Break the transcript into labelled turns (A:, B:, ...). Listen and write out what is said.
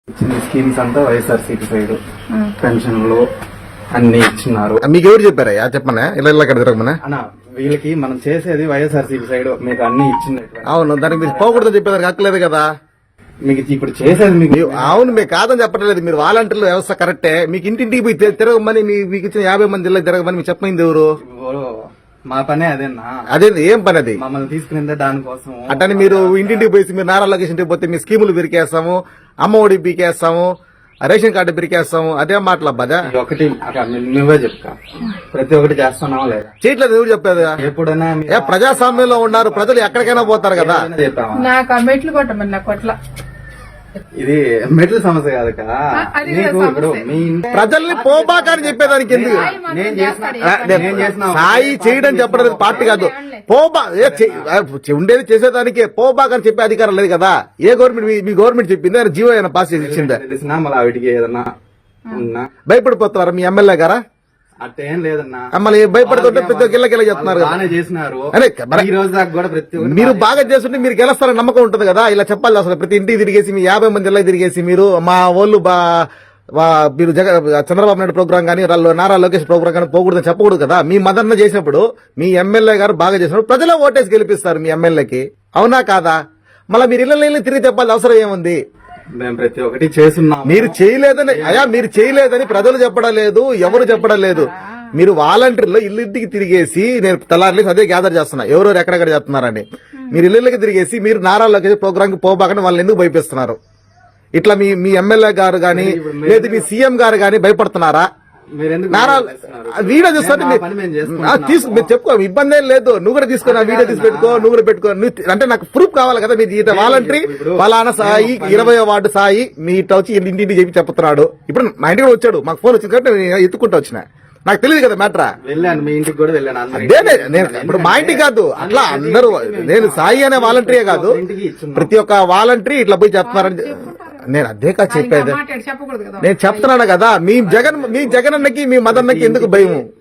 A: ఇచ్చిన స్కీమ్స్ అంతా వైఎస్ఆర్సీపీ సైడ్ పెన్షన్లు అన్ని ఇచ్చినారు.
B: మీకు ఎవరు చెప్పారా చెప్పమన్నా ఇలా ఇలా తిరగమన్నా?
A: అన్న వీళ్ళకి మనం చేసేది వైఎస్ఆర్సీపీ సైడ్ మీకు అన్ని ఇచ్చింది.
B: అవును, దానికి మీరు పోకూడదని చెప్పేదానికి హక్కలేదు కదా.
A: మీకు ఇప్పుడు చేసేది మీకు
B: అవును, మీకు కాదని చెప్పట్లేదు. మీరు వాలంటీర్ల వ్యవస్థ కరెక్టే. మీకు ఇంటింటికి పోయి తిరగమని మీకు ఇచ్చిన 50 మంది జిల్లా తిరగమని మీకు చెప్పమైంది ఎవరు?
A: మా పనే అదేనా?
B: అదే ఏం పని అది?
A: మమ్మల్ని తీసుకునేదే దానికోసం.
B: అట్టని మీరు ఇంటింటికి పోయి మీరు నారా లోకేష్ ఇంటికి పోతే మీ స్కీములు బిరికేస్తాము, అమ్మ ఒడి పీకేస్తాము, రేషన్ కార్డు బిరికేస్తాము, అదే మాటల బదా.
A: ఒకటి నువ్వే చెప్తా, ప్రతి ఒక్కటి చేస్తున్నావా లేదా?
B: చేయట్లేదు ఎవరు చెప్పేది?
A: ఎప్పుడైనా
B: ప్రజాస్వామ్యంలో ఉన్నారు, ప్రజలు ఎక్కడికైనా పోతారు కదా.
C: నాకు ఆ మెట్లు కొట్టమని నా కొట్ల
A: ఇది మెట్ల సమస్య కాదు కదా. నీకు ఇప్పుడు మీ
B: ప్రజల్ని పోబాకని చెప్పేదానికి ఎందుకు?
A: నేను చేసిన
B: సాయి చేయడం చెప్పడం పార్టీ కాదు. పోబా ఉండేది చేసేదానికే, పోబాకని చెప్పే అధికారం లేదు కదా. ఏ గవర్నమెంట్ మీ గవర్నమెంట్ చెప్పింది? ఆయన జీవో ఏమైనా పాస్ చేసి ఇచ్చిందా?
A: తెలిసినా మళ్ళీ వాటికి ఏదన్నా ఉన్నా
B: భయపడిపోతారా మీ ఎమ్మెల్యే గారా?
A: అట్టేం లేదన్నా.
B: మళ్ళీ భయపడుతుంటే ప్రతి ఒక్క గిల్ల చెప్తున్నారు కదా.
A: బాగానే చేసినారు
B: అరే
A: ఈ రోజు దాకా కూడా. ప్రతి ఒక్కటి
B: మీరు బాగా చేస్తుంటే మీరు గెలుస్తారని నమ్మకం ఉంటుంది కదా. ఇలా చెప్పాలి అసలు. ప్రతి ఇంటికి తిరిగేసి మీ 50 మంది జిల్లా తిరిగేసి మీరు మా వాళ్ళు మీరు చంద్రబాబు నాయుడు ప్రోగ్రామ్ కానీ నారా లోకేష్ ప్రోగ్రామ్ కానీ పోకూడదని చెప్పకూడదు కదా. మీ మదన్న చేసినప్పుడు మీ ఎమ్మెల్యే గారు బాగా చేసినప్పుడు ప్రజలే ఓటేసి గెలిపిస్తారు మీ ఎమ్మెల్యేకి. అవునా కాదా? మళ్ళీ మీరు ఇళ్ళ తిరిగి చెప్పాలి అవసరం ఏముంది?
A: మేము ప్రతి ఒక్కటి చేస్తున్నాం.
B: మీరు చేయలేదని మీరు చేయలేదని ప్రజలు చెప్పడం లేదు, ఎవరు చెప్పడం లేదు. మీరు వాలంటీర్లో ఇల్లుంటికి తిరిగేసి, నేను తెల్లారలేసి అదే గ్యాదర్ చేస్తున్నా ఎవరెవరు ఎక్కడెక్కడ చెప్తున్నారని. మీరు ఇళ్ళకి తిరిగేసి మీరు నారా లోకేష్ ప్రోగ్రామ్ కి పోబాకని వాళ్ళని ఎందుకు భయపిస్తున్నారు? ఇట్లా మీ ఎమ్మెల్యే గారు గాని లేదు మీ సీఎం గారు గాని భయపడుతున్నారా? నారా వీడియో చూస్తుంటే మీరు చెప్పుకో, ఇబ్బంది ఏం లేదు. నువ్వు కూడా తీసుకో, నా వీడియో తీసి పెట్టుకో, నువ్వు కూడా పెట్టుకో. అంటే నాకు ప్రూఫ్ కావాలి కదా. మీరు వాలంటరీ ఫలానా సాయి 20వ వార్డు సాయి మీ ఇట్లా వచ్చి ఇంటింటి చెప్పి చెప్తున్నాడు. ఇప్పుడు మా ఇంటికి వచ్చాడు, మాకు ఫోన్ వచ్చింది కాబట్టి నేను ఎత్తుకుంటూ వచ్చిన. నాకు తెలియదు కదా మ్యాటరా.
A: వెళ్ళాను మీ ఇంటికి కూడా వెళ్ళాను.
B: అదే నేను ఇప్పుడు మా ఇంటికి కాదు, అట్లా అందరూ నేను సాయి అనే వాలంటరీయే కాదు, ప్రతి ఒక్క వాలంటరీ ఇట్లా పోయి చెప్తున్నారని నేను అదే కాదు చెప్పేది. నేను చెప్తున్నాను కదా. మీ జగన్ అన్నకి మీ మదన్నకి ఎందుకు భయం?